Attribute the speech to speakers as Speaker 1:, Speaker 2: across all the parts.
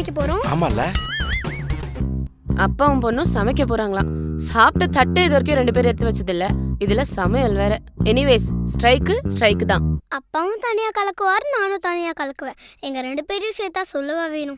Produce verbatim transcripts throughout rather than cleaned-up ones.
Speaker 1: சமைக்க போறோம்.
Speaker 2: ஆமால.
Speaker 3: அப்பாவும் பொண்ணும் சமைக்க போறாங்களாம். சாப்பிட்ட தட்டு இது வரைக்கும் ரெண்டு பேரும் எடுத்து வச்சது இல்ல. இதுல சமையல் வேற. எனிவேஸ் ஸ்ட்ரைக்கு ஸ்ட்ரைக்கு தான்.
Speaker 1: அப்பாவும் தனியா கலக்குவார், நானும் தனியா கலக்குவேன். எங்க ரெண்டு பேரையும் சேர்த்தா சொல்லவா வேணும்.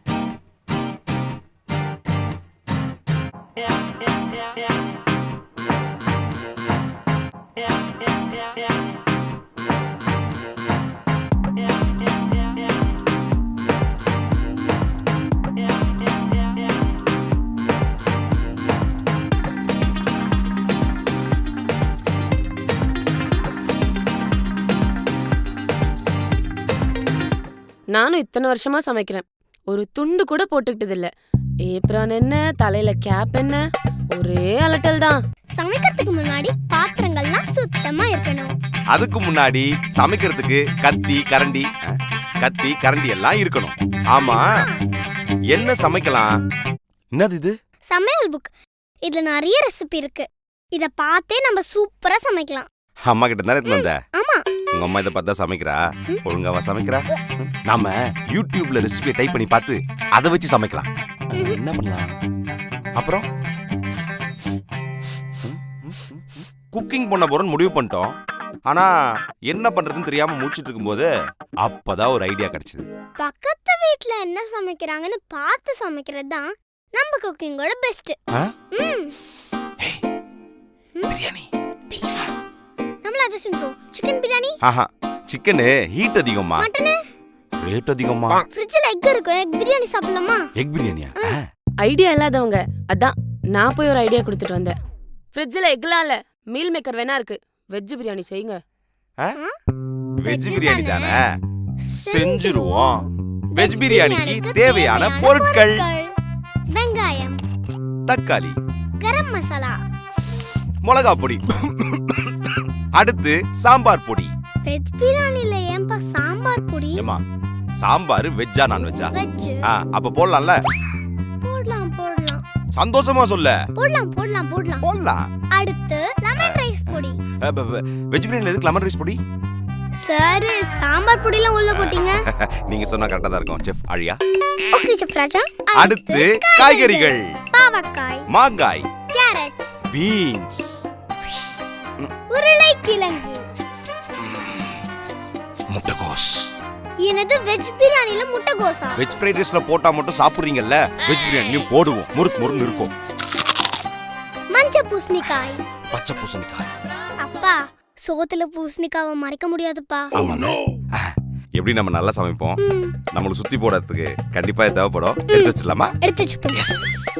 Speaker 3: நானும் இத்தனை வருஷமா சமைக்கிறேன். ஒரு துண்டு கூட போட்டுக்கிட்டது இல்ல. ஏப்ரான் என்ன, தலையில கேப் என்ன, ஒரே அலட்டல் தான்.
Speaker 1: சமைக்கிறதுக்கு முன்னாடி பாத்திரங்கள்லாம் சுத்தமா இருக்கணும்.
Speaker 2: அதுக்கு முன்னாடி சமைக்கிறதுக்கு கத்தி கரண்டி கத்தி கரண்டி எல்லாம் இருக்கணும். ஆமா, என்ன சமைக்கலாம்? என்னது இது?
Speaker 1: சமையல் புக். இதுல நிறைய ரெசிபி இருக்கு. இத பார்த்தே நம்ம சூப்பரா சமைக்கலாம்.
Speaker 2: அம்மா கிட்ட தானே எடுத்து வந்த?
Speaker 1: ஆமா.
Speaker 2: உங்க அம்மா இதை பார்த்தா சமைக்கிறா? ஒழுங்காவா சமைக்கிறா? நாம யூடியூப்ல ரெசிபியை டைப் பண்ணி பார்த்து அதை வச்சு சமைக்கலாம். என்ன பண்ணலாம்? அப்புறம் குக்கிங் பண்ண போறோம்னு முடிவு பண்ணிட்டோம். ஆனா என்ன பண்றதுன்னு தெரியாம முடிச்சிட்டு இருக்கும்போது அப்பதான் ஒரு ஐடியா கிடைச்சது.
Speaker 1: பக்கத்து வீட்ல என்ன சமைக்கிறாங்கன்னு பார்த்து சமைக்கிறது தான் நம்ம குக்கிங்கோட பெஸ்ட்.
Speaker 2: பிரியாணி.
Speaker 1: நம்மள அதை செஞ்சோம். சிக்கன் பிரியாணி.
Speaker 2: ஆஹா, சிக்கன் ஹீட் அதிகமா,
Speaker 1: மட்டன்
Speaker 2: ரேட் அதிகமா.
Speaker 1: ஃப்ரிட்ஜ்ல எக் இருக்கு. எக் பிரியாணி சாப்பிடலாமா?
Speaker 2: எக் பிரியாணியா?
Speaker 3: ஐடியா இல்லாதவங்க அதான் நான் போய் ஒரு ஐடியா கொடுத்துட்டு வந்தேன். ஃப்ரிட்ஜ்ல எக்லாம் இல்ல, மீல் மேக்கர் வேணா இருக்கு. வெஜ் பிரியாணி செய்யுங்க.
Speaker 2: வெஜ் பிரியாணி தானே, செஞ்சிருவோம். வெஜ் பிரியாணிக்கு தேவையான பொருட்கள்:
Speaker 1: வெங்காயம்,
Speaker 2: தக்காளி,
Speaker 1: கரம் மசாலா,
Speaker 2: மிளகா பொடி, அடுத்து சாம்பார் பொடி.
Speaker 1: வெஜ் பிரியாணில ஏன்பா சாம்பார் பொடி?
Speaker 2: ஏமா, சாம்பார் வெஜ்ஜா நான்வெஜ்ஜா?
Speaker 1: வெஜ்.
Speaker 2: அப்ப போடலாம்ல?
Speaker 1: போடலாம் போடலாம்.
Speaker 2: சந்தோஷமா சொல்ல.
Speaker 1: போடலாம் போடலாம் போடலாம்
Speaker 2: போடலாம்.
Speaker 1: அடுத்து லெமன் ரைஸ் பொடி.
Speaker 2: வெஜ் பிரியாணில எதுக்கு லெமன் ரைஸ் பொடி?
Speaker 1: சார், சாம்பார் பொடிலாம் உள்ள போட்டீங்க.
Speaker 2: நீங்க சொன்னா கரெக்ட்டா தான் இருக்கும் chef Aaliya.
Speaker 1: Okay chef Raja.
Speaker 2: அடுத்து காய்கறிகள்:
Speaker 1: பாவக்காய்,
Speaker 2: மாங்காய்,
Speaker 1: கேரட்,
Speaker 2: பீன்ஸ்,
Speaker 1: உருளைக்கிழங்கு,
Speaker 2: முட்டைகோஸ்.
Speaker 1: என்னது வெஜ் பிரியாணில முட்டைகோஸா?
Speaker 2: வெஜ் ஃப்ரைட் ரைஸ்ல போட்டா மட்டும் சாப்பிடுறீங்கல்ல, வெஜ் பிரியாணியும் போடுவோம். முறுக்கு முறுக்கு இருக்கும்.
Speaker 1: மஞ்சள் பூசணிக்காய்,
Speaker 2: பச்சை பூசணிக்காய்.
Speaker 1: அப்பா, சோத்துல பூசணிக்காவை மறைக்க முடியாதுப்பா.
Speaker 2: ஆமாண்ணே. எப்படி நம்ம நல்லா சமைப்போம். நம்மளுக்கு சுத்தி போடுறதுக்கு கண்டிப்பா தேவைப்படும். எடுத்து வச்சிடலாமா?
Speaker 1: எடுத்து வச்சுப்போம்.